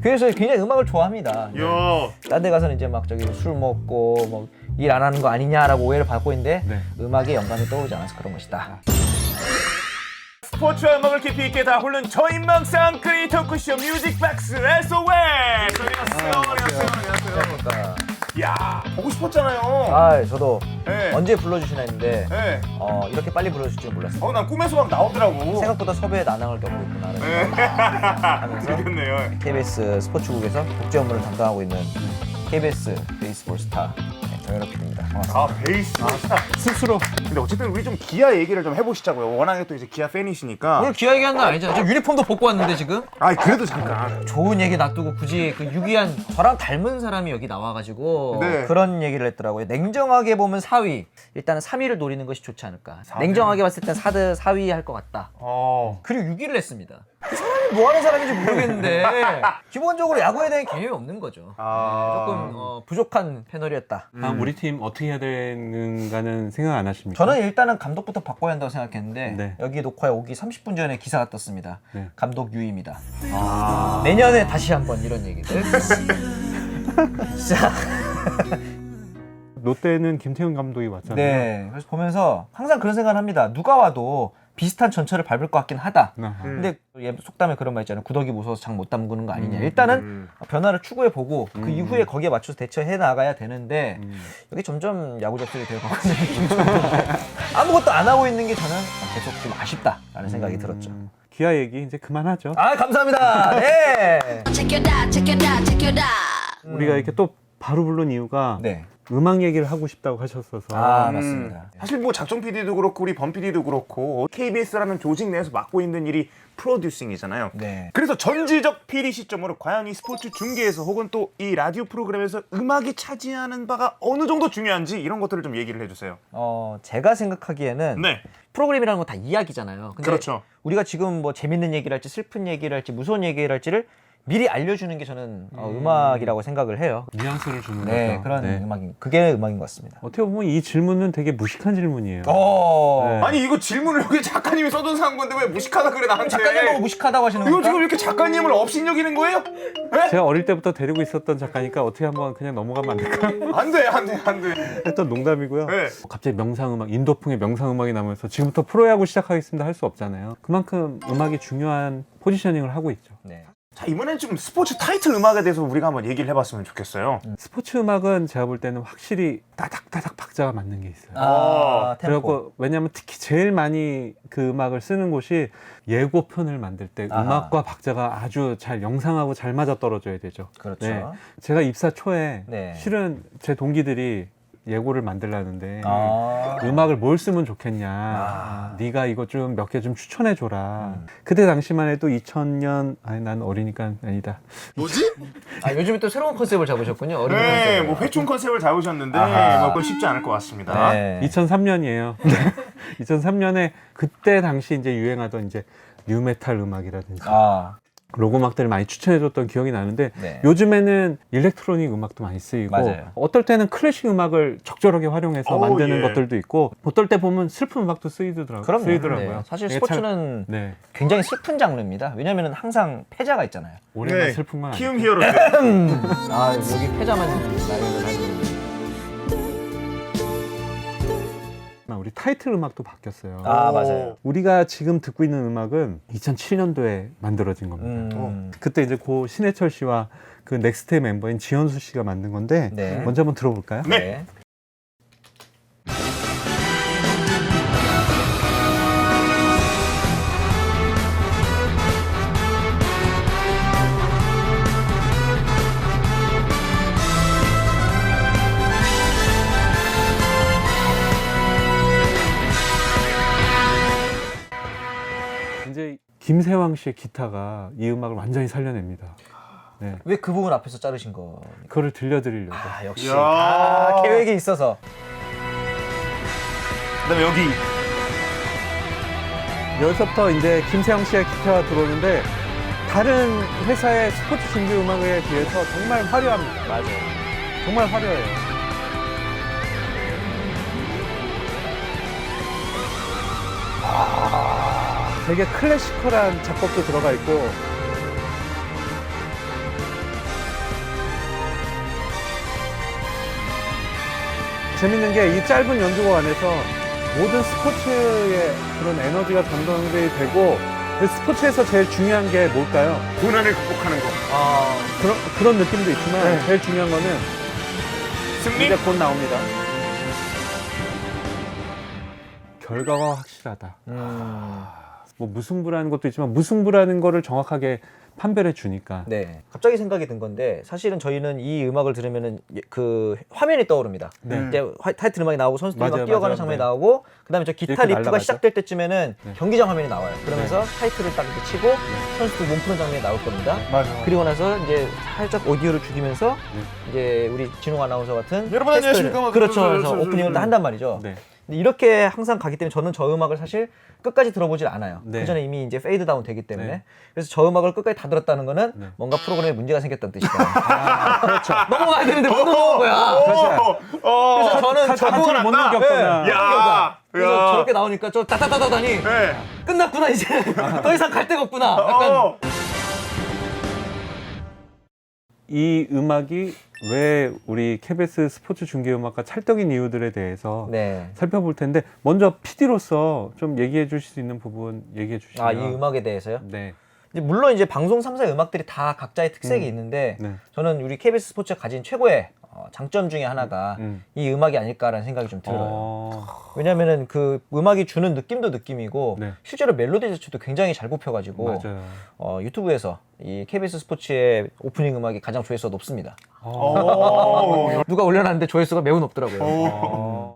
그래서 굉장히 음악을 좋아합니다. 네. 야. 딴 데 가서는 이제 막 저기 술 먹고 뭐 일 안 하는 거 아니냐라고 오해를 받고 있는데 네. 음악에 영감이 떠오르지 않아서 그런 것이다. 스포츠와 음악을 깊이 있게 다 홀른 저인망상 크리에이터 쿠션 뮤직박스 SOS! 그러니까 야, 보고 싶었잖아요. 아 저도 네. 언제 불러주시나 했는데 네. 이렇게 빨리 불러주실 줄 몰랐어요. 난 꿈에서 막 나오더라고. 생각보다 섭외에 난항을 겪고 있구나 네. 하면서 그렇네요. KBS 스포츠국에서 국제 업무를 담당하고 있는 KBS 베이스볼 스타 정현욱 PD입니다. 반갑습니다. 베이스. 스스로. 근데 어쨌든 우리 좀 기아 얘기를 좀 해보시자고요. 워낙에 또 이제 기아 팬이시니까. 오늘 기아 얘기하는 건 아니잖아요. 저 유니폼도 벗고 왔는데 지금 그래도 잠깐. 좋은 얘기 놔두고 굳이 그 유기한 저랑 닮은 사람이 여기 나와가지고 네. 그런 얘기를 했더라고요. 냉정하게 보면 4위. 일단은 3위를 노리는 것이 좋지 않을까. 4위. 냉정하게 봤을 땐 4위 할 것 같다. 그리고 6위를 했습니다. 그 사람이 뭐 하는 사람인지 모르겠는데 기본적으로 야구에 대한 개념이 없는 거죠. 조금 부족한 패널이었다. 우리 팀 어떻게 해야 되는가는 생각 안 하십니까? 저는 일단은 감독부터 바꿔야 한다고 생각했는데 네. 여기 녹화에 오기 30분 전에 기사가 떴습니다. 네. 감독 유입니다. 내년에 다시 한번 이런 얘기들. 자, 롯데는 김태훈 감독이 왔잖아요. 네. 그래서 보면서 항상 그런 생각을 합니다. 누가 와도 비슷한 전철을 밟을 것 같긴 하다. 근데 속담에 그런 말 있잖아요. 구더기 무서워서 장 못 담그는 거 아니냐. 일단은 변화를 추구해보고 그 이후에 거기에 맞춰서 대처해 나가야 되는데 여기 점점 야구 접수이 되어가고 있는 느낌이 아무것도 안 하고 있는 게 저는 계속 좀 아쉽다라는 생각이 들었죠. 기아 얘기 이제 그만하죠. 감사합니다. 네. Check it out, check it out, check it out. 우리가 이렇게 또 바로 부른 이유가 네. 음악 얘기를 하고 싶다고 하셨어서. 맞습니다. 사실 뭐 작정 PD도 그렇고 우리 범 PD도 그렇고 KBS라는 조직 내에서 맡고 있는 일이 프로듀싱이잖아요. 네. 그래서 전지적 PD 시점으로 과연 이 스포츠 중계에서 혹은 또 이 라디오 프로그램에서 음악이 차지하는 바가 어느 정도 중요한지 이런 것들을 좀 얘기를 해주세요. 제가 생각하기에는 네. 프로그램이라는 건 다 이야기잖아요. 근데 그렇죠. 우리가 지금 뭐 재밌는 얘기를 할지 슬픈 얘기를 할지 무서운 얘기를 할지를 미리 알려주는 게 저는 음악이라고 생각을 해요. 뉘앙스를 주는 네, 거죠. 그런 네. 그게 음악인 것 같습니다. 어떻게 보면 이 질문은 되게 무식한 질문이에요. 네. 아니 이거 질문을 여기 작가님이 써둔 건데 왜 무식하다 그래 나한테. 작가님 보고 무식하다고 하시는 이거 겁니까? 지금 이렇게 작가님을 업신여기는 거예요? 네? 제가 어릴 때부터 데리고 있었던 작가니까 어떻게 한번 그냥 넘어가면 안 될까? 안돼. 했던 농담이고요. 네. 갑자기 명상음악, 인도풍의 명상음악이 나오면서 지금부터 프로야구 시작하겠습니다 할 수 없잖아요. 그만큼 음악이 중요한 포지셔닝을 하고 있죠. 네. 자 이번엔 좀 스포츠 타이틀 음악에 대해서 우리가 한번 얘기를 해봤으면 좋겠어요. 스포츠 음악은 제가 볼 때는 확실히 따닥따닥 박자가 맞는 게 있어요. 템포. 그리고 왜냐하면 특히 제일 많이 그 음악을 쓰는 곳이 예고편을 만들 때 음악과 박자가 아주 잘 영상하고 잘 맞아 떨어져야 되죠. 그렇죠. 네. 제가 입사 초에 네. 실은 제 동기들이 예고를 만들라는데 아. 음악을 뭘 쓰면 좋겠냐. 네가 이거 좀 몇 개 좀 추천해 줘라. 그때 당시만 해도 2000년 난 어리니까 아니다. 뭐지? 요즘에 또 새로운 컨셉을 잡으셨군요. 어린 네, 컨셉을. 뭐 회춘 컨셉을 잡으셨는데 아하. 뭐 그건 쉽지 않을 것 같습니다. 네. 2003년이에요. 2003년에 그때 당시 이제 유행하던 이제 뉴메탈 음악이라든지 록 음악들을 많이 추천해줬던 기억이 나는데 네. 요즘에는 일렉트로닉 음악도 많이 쓰이고 맞아요. 어떨 때는 클래식 음악을 적절하게 활용해서 만드는 예. 것들도 있고 어떨 때 보면 슬픈 음악도 쓰이더라고요. 네. 사실 이게 스포츠는 네. 굉장히 슬픈 장르입니다. 왜냐하면 항상 패자가 있잖아요. 올해만 네. 슬픈 건 키움 아니죠. 히어로즈. 여기 패자만 나열을 하는. 우리 타이틀 음악도 바뀌었어요. 맞아요. 우리가 지금 듣고 있는 음악은 2007년도에 만들어진 겁니다. 그때 이제 고 신해철 씨와 그 넥스트의 멤버인 지현수 씨가 만든 건데 네. 먼저 한번 들어볼까요? 네. 이제 김세왕 씨의 기타가 이 음악을 완전히 살려냅니다. 네. 왜 그 부분 앞에서 자르신 거? 그거를 들려드리려고. 역시 이야. 다 계획이 있어서. 그다음에 여기 여기서부터 이제 김세왕 씨의 기타가 들어오는데 다른 회사의 스포츠 중계 음악에 비해서 정말 화려합니다. 맞아요. 정말 화려해요. 되게 클래시컬한 작곡도 들어가 있고 재밌는 게 이 짧은 연주곡 안에서 모든 스포츠의 그런 에너지가 전달이 되고 그 스포츠에서 제일 중요한 게 뭘까요? 고난을 극복하는 거. 그런 느낌도 있지만 네. 제일 중요한 거는 승리? 이제 곧 나옵니다. 결과가 확실하다. 뭐 무승부라는 것도 있지만 무승부라는 거를 정확하게 판별해 주니까. 네. 갑자기 생각이 든 건데 사실은 저희는 이 음악을 들으면은 그 화면이 떠오릅니다. 네. 이제 타이틀 음악이 나오고 선수들이 막 맞아요, 뛰어가는 맞아요. 장면이 네. 나오고 그다음에 저 기타 이렇게 리프가 날아가죠. 시작될 때쯤에는 네. 경기장 화면이 나와요. 그러면서 타이틀을 딱 이렇게 치고 선수들 몸 푸는 장면이 나올 겁니다. 맞아. 그리고 나서 이제 살짝 오디오를 죽이면서 네. 이제 우리 진홍 아나운서 같은 여러분 안녕하십니까? 막 그렇죠. 그러면서 그래서 오프닝을 다 한단 말이죠. 네. 근데 이렇게 항상 가기 때문에 저는 저 음악을 사실 끝까지 들어보질 않아요. 네. 그 전에 이미 이제 페이드 다운 되기 때문에. 네. 그래서 저 음악을 끝까지 다 들었다는 거는 네. 뭔가 프로그램에 문제가 생겼다는 뜻이다. 그렇죠. 넘어가야 되는데 못 넘어간 거야. 그래서 저는 저 한참을 못 넘겼구나. 야. 그래서 저렇게 나오니까 저 따따따따다니 네. 끝났구나 이제 더 이상 갈 데가 없구나. 약간 이 음악이 왜 우리 KBS 스포츠 중계 음악과 찰떡인 이유들에 대해서 네. 살펴볼 텐데 먼저 PD로서 좀 얘기해 주실 수 있는 부분 얘기해 주시면. 아, 이 음악에 대해서요? 네. 이제 물론 이제 방송 3사의 음악들이 다 각자의 특색이 있는데 네. 저는 우리 KBS 스포츠가 가진 최고의 장점 중에 하나가 이 음악이 아닐까라는 생각이 좀 들어요. 왜냐면은 그 음악이 주는 느낌도 느낌이고 네. 실제로 멜로디 자체도 굉장히 잘 뽑혀가지고 맞아요. 유튜브에서 이 KBS 스포츠의 오프닝 음악이 가장 조회수가 높습니다. 누가 올려놨는데 조회수가 매우 높더라고요.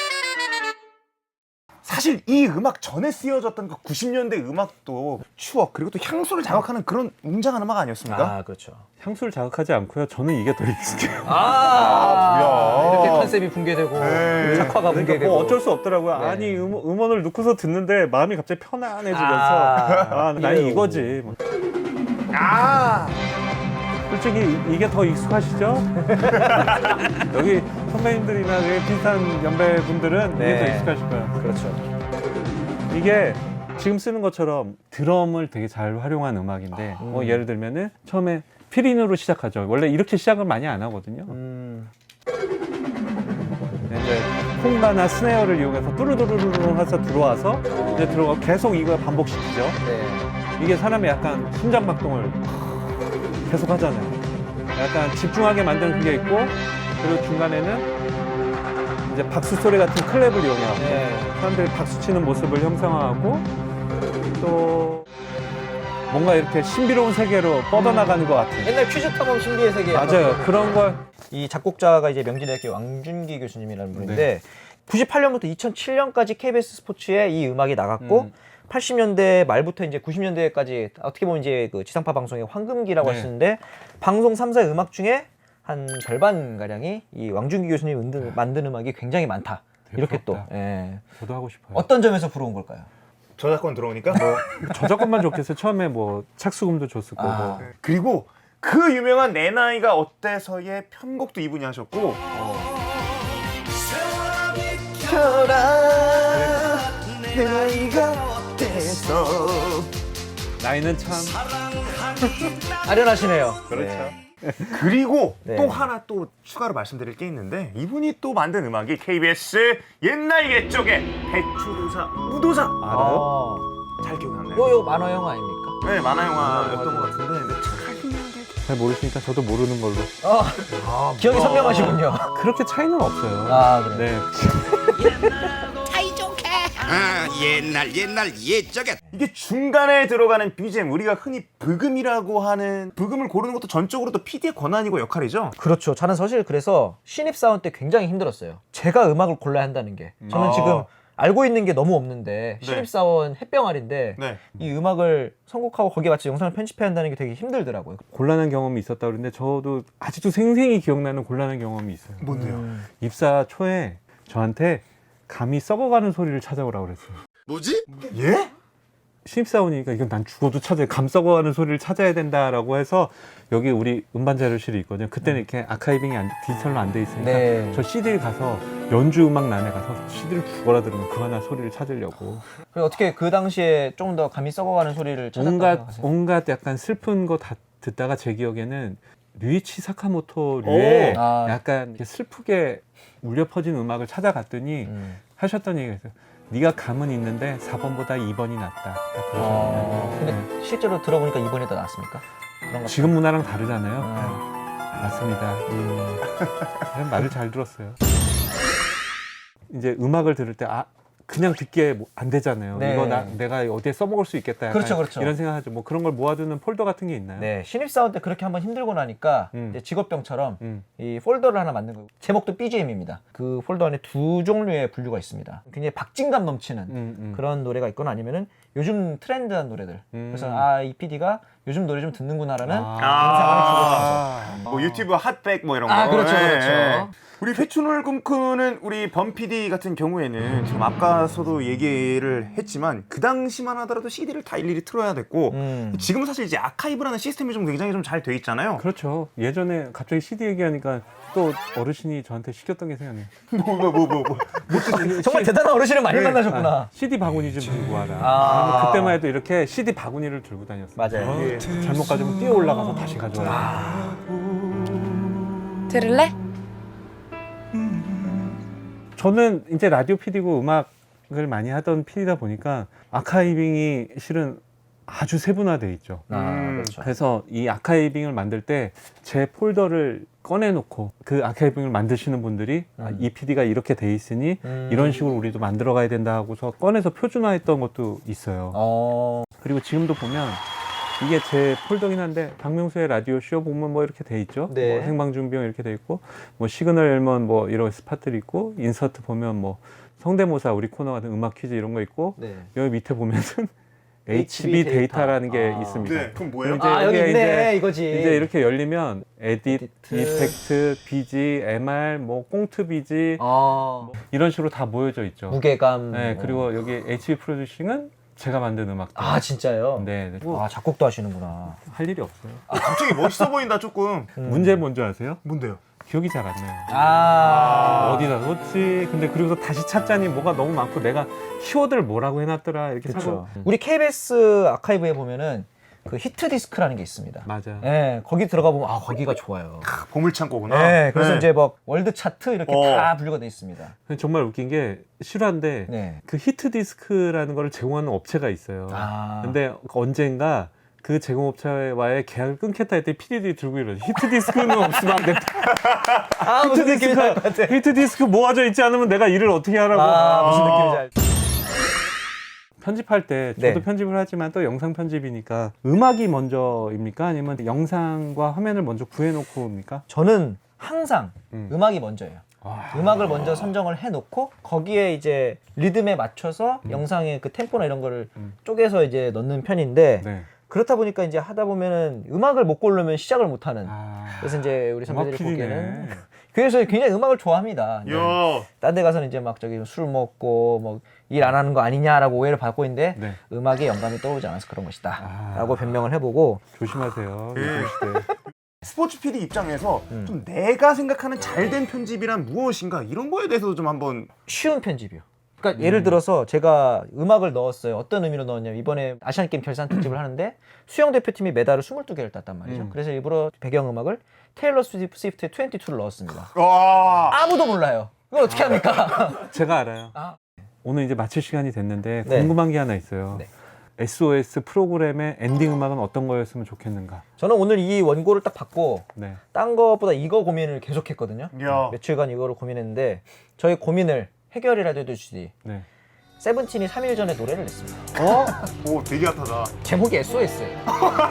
사실 이 음악 전에 쓰여졌던 그 90년대 음악도 추억 그리고 또 향수를 자극하는 그런 웅장한 음악 아니었습니까? 아 그렇죠. 향수를 자극하지 않고요. 저는 이게 더 익숙해요. 뭐야. 이렇게 컨셉이 붕괴되고 네. 작화가 그러니까 붕괴되고 뭐 어쩔 수 없더라고요. 네. 아니 음원을 넣고서 듣는데 마음이 갑자기 편안해지면서 난 이래요. 이거지. 뭐. 아. 솔직히 이게 더 익숙하시죠? 여기 선배님들이나 여기 비슷한 연배분들은 이게 네. 더 익숙하실 거예요. 그렇죠. 이게 지금 쓰는 것처럼 드럼을 되게 잘 활용한 음악인데 뭐 예를 들면은 처음에 피린으로 시작하죠. 원래 이렇게 시작을 많이 안 하거든요. 이제 콩가나 스네어를 이용해서 뚜루루루루 해서 들어와서 이제 들어가 계속 이거 반복시키죠. 네. 이게 사람의 약간 심장박동을 계속 하잖아요. 약간 집중하게 만드는 게 있고 그리고 중간에는 이제 박수 소리 같은 클랩을 이용해서 네. 사람들이 박수 치는 모습을 형상화하고 또 뭔가 이렇게 신비로운 세계로 뻗어나가는 것 같은. 옛날 퀴즈 탐험 신비의 세계 맞아요. 그런 걸. 이 작곡자가 이제 명진대학교 왕준기 교수님이라는 분인데 98년부터 2007년까지 KBS 스포츠에 이 음악이 나갔고 80년대 말부터 이제 90년대까지 어떻게 보면 이제 그 지상파 방송의 황금기라고 네. 하시는데 방송 3사의 음악 중에 한 절반 가량이 이 왕준기 교수님이 만든 음악이 굉장히 많다. 이렇게 또 부럽다. 예. 저도 하고 싶어요. 어떤 점에서 부러운 걸까요? 저작권 들어오니까 뭐. 저작권만 좋겠어요. 처음에 뭐 착수금도 줬을 거고. 아. 그리고 그 유명한 내 나이가 어때서의 편곡도 이분이 하셨고 내 나이가 어때서 나이는 참. 아련하시네요. 그렇죠. 그리고 네. 또 하나 또 추가로 말씀드릴 게 있는데 이분이 또 만든 음악이 KBS 옛날 옛적의 배추도사 무도사 알아요? 잘 기억나나요? 요 만화 영화 아닙니까? 네 만화 영화였던 것 같은데 근데 참 잘 모르시니까 저도 모르는 걸로. 기억이 선명하시군요. 그렇게 차이는 없어요. 아, 그래요? 네. 옛날 옛적에 이게 중간에 들어가는 BGM 우리가 흔히 브금이라고 하는 브금을 고르는 것도 전적으로 또 PD의 권한이고 역할이죠. 그렇죠. 저는 사실 그래서 신입사원 때 굉장히 힘들었어요. 제가 음악을 골라야 한다는 게. 저는 지금 알고 있는 게 너무 없는데 신입사원 햇병아리인데 네. 이 음악을 선곡하고 거기에 맞춰 영상을 편집해야 한다는 게 되게 힘들더라고요. 곤란한 경험이 있었다 그러는데 저도 아직도 생생히 기억나는 곤란한 경험이 있어요. 뭔데요? 입사 초에 저한테 감이 썩어가는 소리를 찾아오라고 그랬어요. 뭐지? 예? 신입사원이니까 이건 난 죽어도 찾아야 감 썩어가는 소리를 찾아야 된다라고 해서 여기 우리 음반 자료실이 있거든요. 그때는 이렇게 아카이빙이 디지털로 안 돼 있으니까 네. 저 CD를 가서 연주 음악란에 가서 CD를 죽어라 들으면 그만한 소리를 찾으려고 그리고 어떻게 그 당시에 조금 더 감이 썩어가는 소리를 찾았다고 생각하세요? 온갖 약간 슬픈 거 다 듣다가 제 기억에는 류이치 사카모토류의 오! 아. 약간 이렇게 슬프게 울려 퍼진 음악을 찾아갔더니 하셨던 얘기가 있어요. 네가 감은 있는데 4번보다 2번이 낫다. 딱 그러셨거든요. 근데 실제로 들어보니까 2번이 더 낫습니까? 그런 것 지금 문화랑 다르잖아요. 같아요. 맞습니다. 그냥 말을 잘 들었어요. 이제 음악을 들을 때 그냥 듣기에 안 되잖아요. 네. 이거 내가 어디에 써먹을 수 있겠다. 약간 그렇죠, 그렇죠. 이런 생각하죠. 뭐 그런 걸 모아두는 폴더 같은 게 있나요? 네, 신입사원 때 그렇게 한번 힘들고 나니까 이제 직업병처럼 이 폴더를 하나 만든 거예요. 제목도 BGM입니다. 그 폴더 안에 두 종류의 분류가 있습니다. 굉장히 박진감 넘치는 그런 노래가 있거나 아니면은 요즘 트렌드한 노래들. 그래서 이 PD가 요즘 노래 좀 듣는구나라는 인상을 주고 싶어서. 뭐 유튜브 핫백 뭐 이런 거. 그렇죠, 예, 그렇죠. 예. 우리 회춘을 꿈꾸는 우리 범 PD 같은 경우에는 지금 앞가서도 얘기를 했지만 그 당시만 하더라도 CD를 다 일일이 틀어야 됐고 지금 사실 이제 아카이브라는 시스템이 좀 굉장히 좀 잘 돼 있잖아요. 그렇죠. 예전에 갑자기 CD 얘기하니까 또 어르신이 저한테 시켰던 게 생각나요. 정말 대단한 어르신을 많이 만나셨구나. CD 바구니 좀 들고 와라. 아. 그때만 해도 이렇게 CD 바구니를 들고 다녔어요. 맞아요. 예. 잘못 가지고 뛰어 올라가서 다시 가져와야 들을래? 저는 이제 라디오 PD고 음악을 많이 하던 PD다 보니까 아카이빙이 실은 아주 세분화돼 있죠. 그렇죠. 그래서 이 아카이빙을 만들 때 제 폴더를 꺼내놓고 그 아카이빙을 만드시는 분들이 이 PD가 이렇게 돼 있으니 이런 식으로 우리도 만들어 가야 된다 하고서 꺼내서 표준화했던 것도 있어요. 그리고 지금도 보면 이게 제 폴더긴 한데 박명수의 라디오 쇼 보면 뭐 이렇게 돼 있죠. 네. 뭐 생방준비용 이렇게 돼 있고 뭐 시그널 엘먼 뭐 이런 스팟들이 있고 인서트 보면 뭐 성대모사 우리 코너 같은 음악 퀴즈 이런 거 있고 네. 여기 밑에 보면은 HB HB 데이터. 데이터라는 게 아. 있습니다. 네, 그럼 뭐예요? 이제 여기 여기에 있네 이거지. 이제 이렇게 열리면 에디트, 에디트. 이펙트, BG, MR, 뭐 꽁트 BG 이런 식으로 다 모여져 있죠. 무게감. 네, 그리고 여기 HB 프로듀싱은 제가 만든 음악들. 진짜요? 네, 네. 작곡도 하시는구나. 할 일이 없어요. 갑자기 멋있어 보인다 조금. 문제 뭔지 아세요? 뭔데요? 기억이 잘 안 나요. 어디다 뒀지? 근데 그리고서 다시 찾자니 뭐가 너무 많고 내가 키워드를 뭐라고 해놨더라 이렇게 그렇죠. 찾고. 우리 KBS 아카이브에 보면은 그 히트 디스크라는 게 있습니다. 맞아. 네, 거기 들어가 보면 거기가 좋아요. 보물창고구나. 네, 그래서 네. 이제 뭐 월드 차트 이렇게 다 분류가 돼 있습니다. 근데 정말 웃긴 게 실화인데 네. 그 히트 디스크라는 거를 제공하는 업체가 있어요. 근데 언젠가 그 제공업체와의 계약을 끊겠다 했더니 PD들이 들고 이러죠. 히트 디스크는 없으면 안 된다. 무슨 느낌인지 알 것 같아. 히트 디스크 모아져 있지 않으면 내가 일을 어떻게 하라고. 무슨 느낌인지 알. 편집할 때 저도 네. 편집을 하지만 또 영상 편집이니까 음악이 먼저입니까? 아니면 영상과 화면을 먼저 구해놓고입니까? 저는 항상 음악이 먼저예요. 음악을 먼저 선정을 해놓고 거기에 이제 리듬에 맞춰서 영상의 그 템포나 이런 거를 쪼개서 이제 넣는 편인데 네. 그렇다 보니까 이제 하다 보면은 음악을 못 고르면 시작을 못 하는. 그래서 이제 우리 음악 선배들이 PD네. 보기에는 그래서 굉장히 음악을 좋아합니다. 네. 야. 딴 데 가서는 이제 막 저기 술 먹고 뭐 일 안 하는 거 아니냐라고 오해를 받고 있는데 네. 음악에 영감이 떠오르지 않아서 그런 것이다 라고 변명을 해보고 조심하세요. 네. 요즘 시대. 스포츠 PD 입장에서 좀 내가 생각하는 잘된 편집이란 무엇인가 이런 거에 대해서도 좀 한번. 쉬운 편집이요. 그러니까 예를 들어서 제가 음악을 넣었어요. 어떤 의미로 넣었냐면 이번에 아시안게임 결산 특집을 하는데 수영 대표팀이 메달을 22개를 땄단 말이죠. 그래서 일부러 배경음악을 테일러 스위프트의 22를 넣었습니다. 와. 아무도 몰라요. 이거 어떻게 합니까? 제가 알아요. 오늘 이제 마칠 시간이 됐는데 네. 궁금한 게 하나 있어요. 네. SOS 프로그램의 엔딩 음악은 어떤 거였으면 좋겠는가? 저는 오늘 이 원고를 딱 받고 네. 딴 것보다 이거 고민을 계속했거든요. 야. 며칠간 이거를 고민했는데 저희 고민을 해결이라도 해주시지 네. 세븐틴이 3일 전에 노래를 냈습니다. 오, 되게 핫하다. 제목이 SOS예요.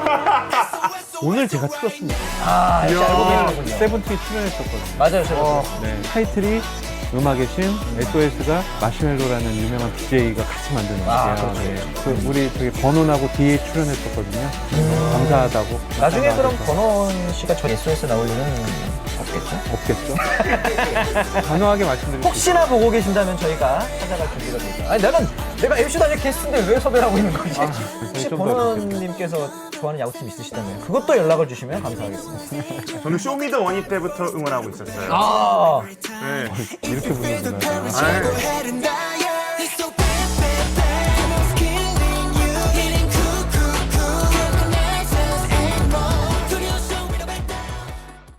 오늘 제가 틀었습니다. 역시 알고 계시는군요. 세븐틴이 출연했었거든요. 맞아요, 제가. 네. 타이틀이 음악의 신 SOS가 마시멜로라는 유명한 DJ가 같이 만든 음악이에요. 그렇죠. 네. 그 우리 저기 버논하고 DA 출연했었거든요. 나중에 나중에 그럼 버논 씨가 저 SOS 나올 일은 없겠죠? 없겠죠? 단호하게 말씀드릴게요. 혹시나 보고 계신다면 저희가 찾아갈 준비가 되죠. 아니 내가 MC도 아니고 게스트인데 왜 섭외를 하고 있는 거지? 혹시 좀더 버논님께서 좋아하는 야구팀 있으시다면 그것도 연락을 주시면 감사하겠습니다. 저는 쇼미더 원이 때부터 응원하고 있었어요. 아, 네. 이렇게 부르는구나. 아,